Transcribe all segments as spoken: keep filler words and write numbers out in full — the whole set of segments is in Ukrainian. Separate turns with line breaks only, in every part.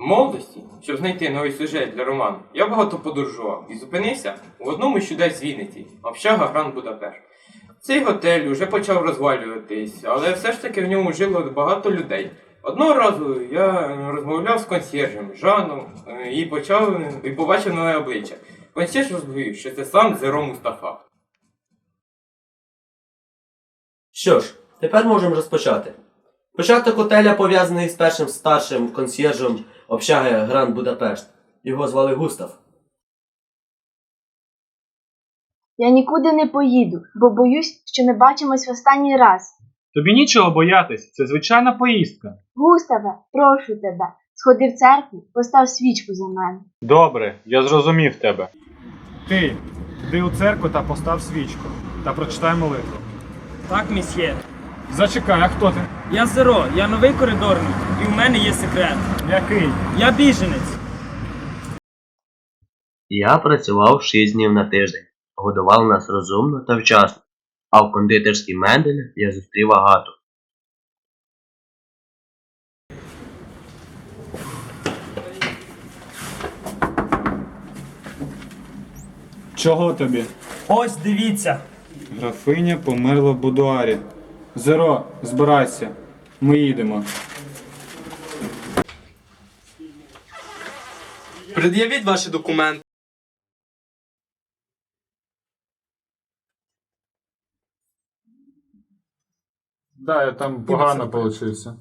В молодості, щоб знайти новий сюжет для роману, я багато подорожував і зупинився у одному з чудес Вінниці – общага Гранд Будапешт. Цей готель уже почав розвалюватись, але все ж таки в ньому жило багато людей. Одного разу я розмовляв з консьєржем Жаном і, почав, і побачив нове обличчя. Консьєрж розповів, що це сам Зеро Мустафа.
Що ж, тепер можемо розпочати. Початок готеля пов'язаний з першим старшим консьєржем общаги Гранд Будапешт. Його звали Густав.
Я нікуди не поїду, бо боюсь, що ми бачимось в останній раз.
Тобі нічого боятись, це звичайна поїздка.
Густаве, прошу тебе, сходи в церкву, постав свічку за мене.
Добре, я зрозумів тебе. Ти, йди у церкву та постав свічку, та прочитай молитву.
Так, місьє.
Зачекай, а хто ти?
Я Зеро, я новий коридорний, і в мене є секрет.
Який?
Я біженець.
Я працював шість днів на тиждень. Годував нас розумно та вчасно. А в кондитерській Менделя я зустрів Агату.
Чого тобі?
Ось, дивіться.
Графиня померла в будуарі. Зеро, збирайся. Ми їдемо.
Пред'явіть ваші документи.
Да, я там погано получився.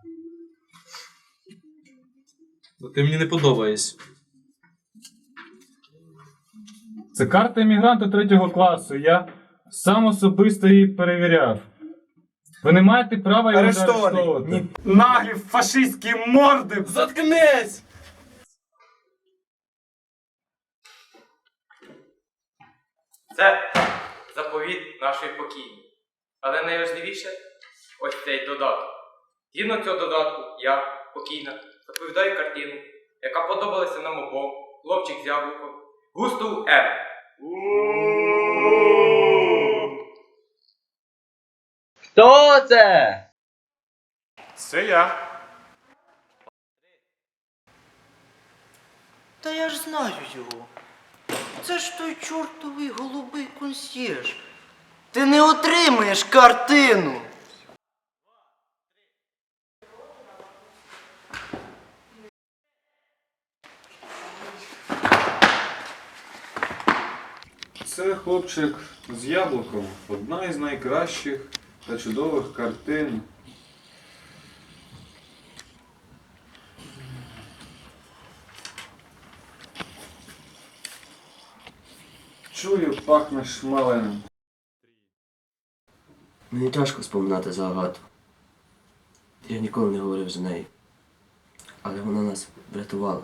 Ти мені не подобаєшся.
Це карта емігранта третього класу. Я сам особисто її перевіряв. Ви не маєте права його арештовувати. Наглі фашистські морди!
Заткнись!
Це заповіт нашої покійні. Але найважливіше – ось цей додаток. Згідно цього додатку, я, покійна, заповідаю картину, яка подобалася нам обом, хлопчик з яблуком, Густаву М.
Хто це?
Це я.
Та я ж знаю його. Це ж той чортовий голубий консьєрж. Ти не отримаєш картину.
Це хлопчик з яблуком. Одна із найкращих та чудових картин. Чую, пахне шмаленим.
Мені тяжко споминати за Агату. Я ніколи не говорив за неї. Але вона нас врятувала.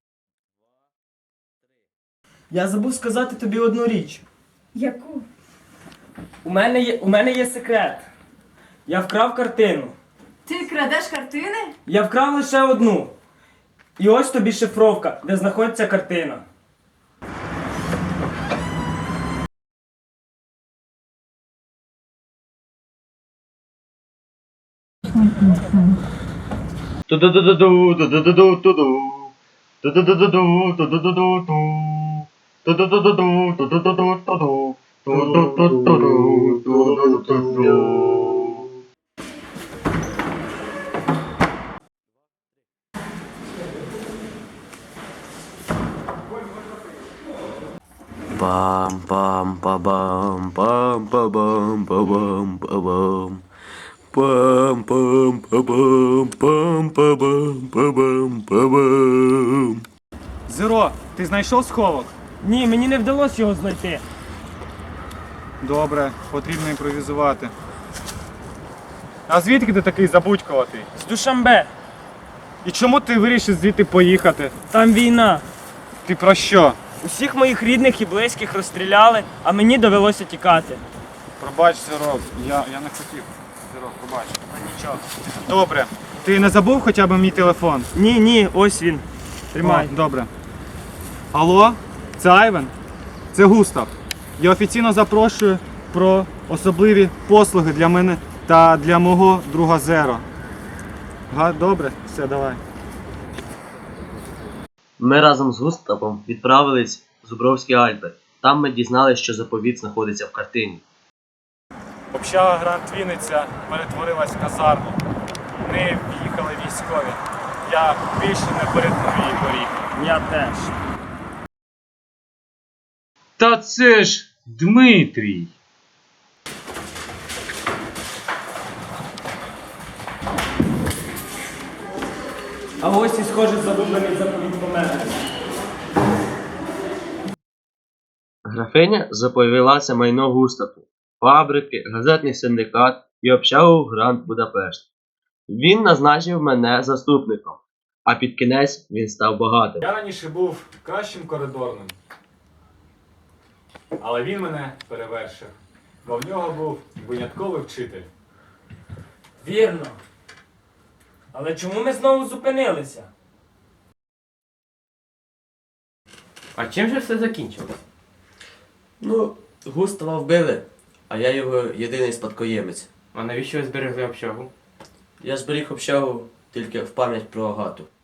Я забув сказати тобі одну річ.
Яку?
У мене є, у мене є секрет. Я вкрав картину.
Ти крадеш картини?
Я вкрав лише одну. І ось тобі шифровка, де знаходиться картина.
Бам бам ба бам бам ба бам ба бам ба бам бам бам ба бам бам ба бам ба бам ба бам.
Зеро, ти знайшов сховок?
Ні, мені не вдалося його знайти.
Добре, потрібно імпровізувати. А звідки ти такий забудькуватий?
З Душанбе.
І чому ти вирішив звідти поїхати?
Там війна.
Ти про що?
Усіх моїх рідних і близьких розстріляли, а мені довелося тікати.
Пробач, Зеро, я, я не хотів. Зеро, пробач. А нічого. Добре. Ти не забув хоча б мій телефон?
Ні, ні, ось він. Тримай.
О, добре. Алло, це Айвен? Це Густав. Я офіційно запрошую про особливі послуги для мене та для мого друга Зеро. Га, добре? Все, давай.
Ми разом з Густавом відправились в Зубровські Альпи. Там ми дізналися, що заповіт знаходиться в картині.
Общага Грант Вінниця перетворилась в казарму. В неї в'їхали військові. Я більше не перетну її поріг.
Я теж.
Та це ж Дмитрій.
А ось і схоже загублений заповіт помер.
Графиня заповілася майно Густаву, фабрики, газетний синдикат і общагу Грант Будапешт. Він назначив мене заступником, а під кінець він став багатим.
Я раніше був кращим коридорним. Але він мене перевершив, бо в нього був винятковий вчитель.
Вірно. Але чому ми знову зупинилися?
А чим же все закінчилось?
Ну, Густава вбили, а я його єдиний спадкоємець.
А навіщо ви зберегли общагу?
Я зберіг общагу тільки в пам'ять про Агату.